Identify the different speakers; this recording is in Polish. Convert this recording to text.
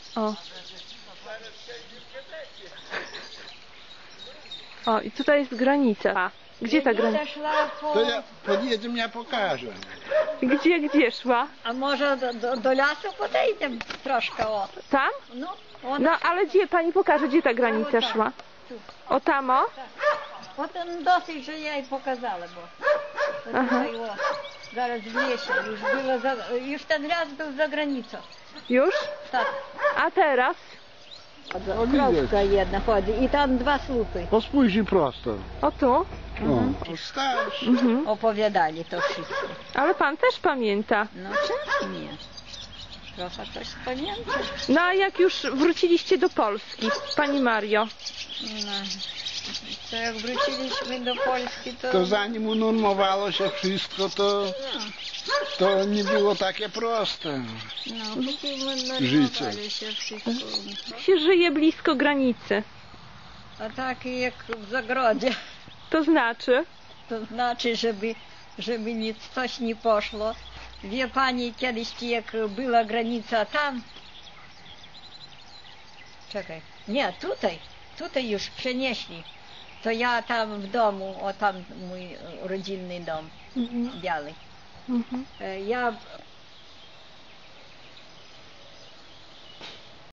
Speaker 1: O. O, i tutaj jest granica. Gdzie ta granica?
Speaker 2: Szła po...
Speaker 3: To ja podjedziemy, ja pokażę.
Speaker 1: Gdzie szła?
Speaker 2: A może do lasu podejdziemy troszkę, o.
Speaker 1: Tam?
Speaker 2: No,
Speaker 1: No, ale gdzie? Pani pokaże, gdzie ta granica szła? O tam, o?
Speaker 2: От досить, że ja jej pokazała, bo to tutaj, o, zaraz w lesie, już ten raz był za granicą.
Speaker 1: Już?
Speaker 2: Tak.
Speaker 1: A teraz?
Speaker 2: Kropka jedna chodzi i tam 2 słupy.
Speaker 3: No spójrz prosto.
Speaker 1: O tu?
Speaker 3: O, starszy.
Speaker 2: Opowiadali to wszystko.
Speaker 1: Ale pan też pamięta.
Speaker 2: No czemu nie? Trochę coś pamiętam.
Speaker 1: No a jak już wróciliście do Polski, pani Mario?
Speaker 2: No, to jak wróciliśmy do Polski,
Speaker 3: To zanim unormowało się wszystko, to nie było takie proste.
Speaker 2: no, póki
Speaker 3: Życie.
Speaker 2: normowali się wszystko.
Speaker 1: Się żyje blisko granicy.
Speaker 2: A tak jak w zagrodzie.
Speaker 1: To znaczy?
Speaker 2: To znaczy, żeby nic coś nie poszło. Wie pani, kiedyś jak była granica tam... Czekaj. Nie, tutaj już przenieśli. To ja tam w domu, o tam mój rodzinny dom, biały. Ja